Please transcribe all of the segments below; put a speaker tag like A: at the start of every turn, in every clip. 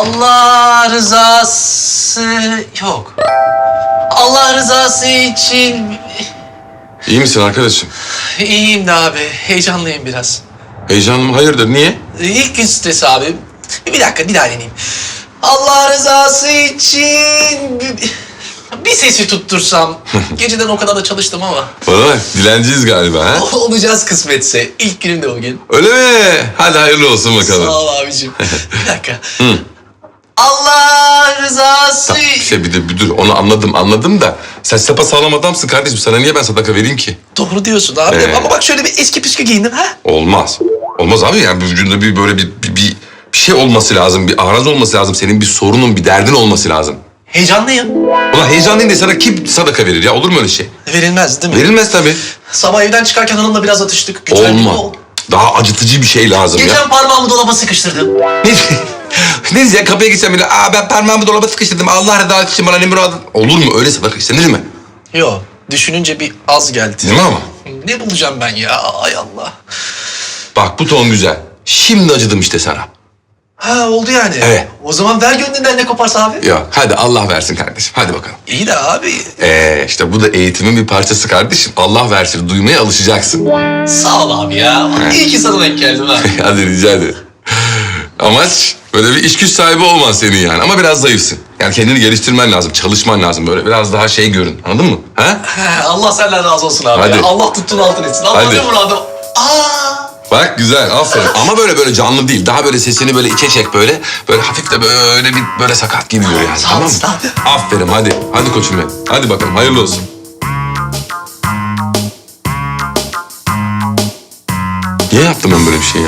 A: Allah rızası yok. Allah rızası için
B: İyi misin arkadaşım?
A: iyiyim de abi. Heyecanlıyım biraz.
B: Heyecanlı mı? Hayırdır? Niye?
A: İlk gün stresi abi. Bir dakika bir daha deneyeyim. Allah rızası için bir sesi tuttursam. Geceden o kadar da çalıştım ama.
B: Bana bak, dilenciyiz galiba ha?
A: Olacağız kısmetse. İlk günüm de bugün.
B: Öyle mi? Hadi hayırlı olsun bakalım.
A: Sağ ol abicim. Bir dakika. Allah rızası...
B: Bir de bir dur, onu anladım da sen sapasağlam adamsın kardeşim. Sana niye ben sadaka vereyim ki?
A: Doğru diyorsun abi. Ama bak şöyle bir eski püskü giyindim ha.
B: Olmaz. Olmaz abi, yani vücudunda bir böyle bir şey olması lazım. Bir arız olması lazım. Senin bir sorunun, bir derdin olması lazım.
A: Heyecanlıyım.
B: Ulan heyecanlıyım diye sana kim sadaka verir ya? Olur mu öyle şey?
A: Verilmez değil mi?
B: Verilmez tabii.
A: Sabah evden çıkarken hanımla biraz atıştık. Güzel bir
B: Olmaz.
A: yol.
B: Daha acıtıcı bir şey lazım ya.
A: Geçen parmağımı dolaba sıkıştırdım.
B: Ne diyeceksin? Kapıya gitsem bile, ben parmağımı dolaba sıkıştırdım. Allah rızası için bana ne muradın? Olur mu? Öyle sadaka istenir mi?
A: Yo, düşününce bir az geldi.
B: Değil mi ama?
A: Ne bulacağım ben ya? Ay Allah.
B: Bak bu ton güzel. Şimdi acıdım işte sana.
A: Ha oldu yani.
B: Evet.
A: O zaman ver gönlünden ne koparsa abi.
B: Yok, hadi Allah versin kardeşim. Hadi bakalım.
A: İyi de abi.
B: İşte bu da eğitimin bir parçası kardeşim. Allah versin, duymaya alışacaksın.
A: Sağ ol abi ya. İyi ki sana denk geldim ha.
B: Hadi rica ederim. Amaç böyle bir iş güç sahibi olman senin yani. Ama biraz zayıfsın. Yani kendini geliştirmen lazım, çalışman lazım. Böyle biraz daha şey görün. Anladın mı? Ha?
A: Allah senden razı olsun abi.
B: Hadi.
A: Ya. Allah tuttuğun altın etsin. Allah
B: Hadi.
A: ne muradım. Aa!
B: Bak güzel, aferin. Ama böyle canlı değil. Daha böyle sesini böyle içe çek böyle. Böyle hafif de böyle sakat gibi gör yani.
A: Sağ
B: Tamam mı?
A: olasın abi.
B: Aferin, hadi. Hadi koçum benim. Hadi bakalım, hayırlı olsun. Niye yaptım ben böyle bir şey ya?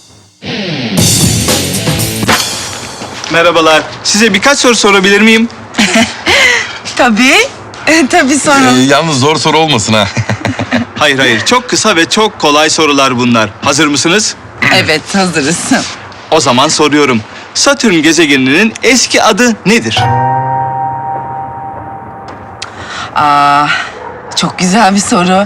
C: Merhabalar. Size birkaç soru sorabilir miyim?
D: Tabii. Tabii sorun.
B: Yalnız zor soru olmasın ha.
C: Hayır. Çok kısa ve çok kolay sorular bunlar. Hazır mısınız?
D: Evet, hazırız.
C: O zaman soruyorum. Satürn gezegeninin eski adı nedir?
D: Çok güzel bir soru.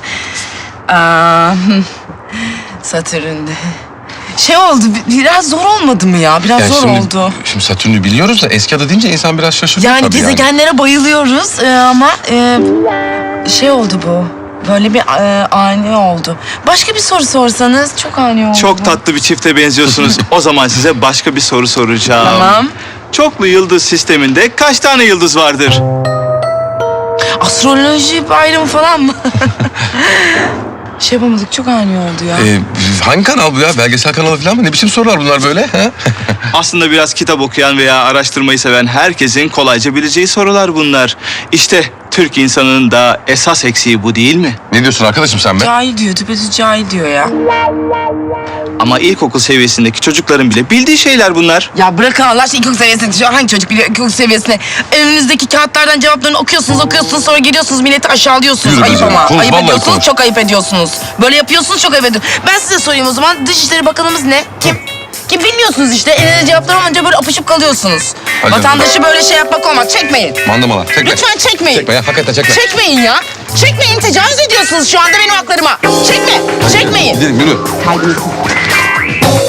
D: Satürn'de. Şey oldu, biraz zor olmadı mı ya? Biraz zor oldu.
B: Şimdi Satürn'ü biliyoruz da eski adı deyince insan biraz şaşırıyor
D: Yani
B: tabii
D: gezegenlere bayılıyoruz ama şey oldu bu. Böyle bir ani oldu. Başka bir soru sorsanız çok ani oldu.
C: Çok tatlı bir çifte benziyorsunuz. O zaman size başka bir soru soracağım.
D: Tamam.
C: Çoklu yıldız sisteminde kaç tane yıldız vardır?
D: Astroloji bayramı falan mı? Şey yapamadık, çok ani oldu ya.
B: Hangi kanal bu ya? Belgesel kanalı falan mı? Ne biçim sorular bunlar böyle? Ha?
C: Aslında biraz kitap okuyan veya araştırmayı seven herkesin kolayca bileceği sorular bunlar. İşte Türk insanının da esas eksiği bu değil mi?
B: Ne diyorsun arkadaşım sen be?
D: Cahil diyor, düpedüz cahil diyor ya.
C: Ama ilkokul seviyesindeki çocukların bile bildiği şeyler bunlar.
D: Ya bırakın Allah aşkına ilkokul seviyesinde. Şu an hangi çocuk biliyor ilkokul seviyesinde? Önünüzdeki kağıtlardan cevaplarını okuyorsunuz sonra geliyorsunuz milleti aşağılıyorsunuz.
B: Yürü be
D: Ayıp
B: canım,
D: ama.
B: konuş,
D: Ayıp
B: vallahi
D: ediyorsunuz,
B: konuş.
D: çok ayıp ediyorsunuz. Böyle yapıyorsunuz, çok ayıp ediyorsunuz. Ben size sorayım o zaman. Dışişleri Bakanımız ne? Kim? Kim bilmiyorsunuz işte. Elinde cevaplar olunca böyle apışıp kalıyorsunuz.
B: Hadi
D: Vatandaşı böyle şey yapmak olmaz. Çekmeyin.
B: Mandamalar. Çekme.
D: Lütfen çekmeyin.
B: Çekme ya, hakikaten çekme.
D: Çekmeyin ya. Çekmeyin, tecavüz ediyorsunuz şu anda benim haklarıma. Çekmeyin.
B: Gidelim, yürü.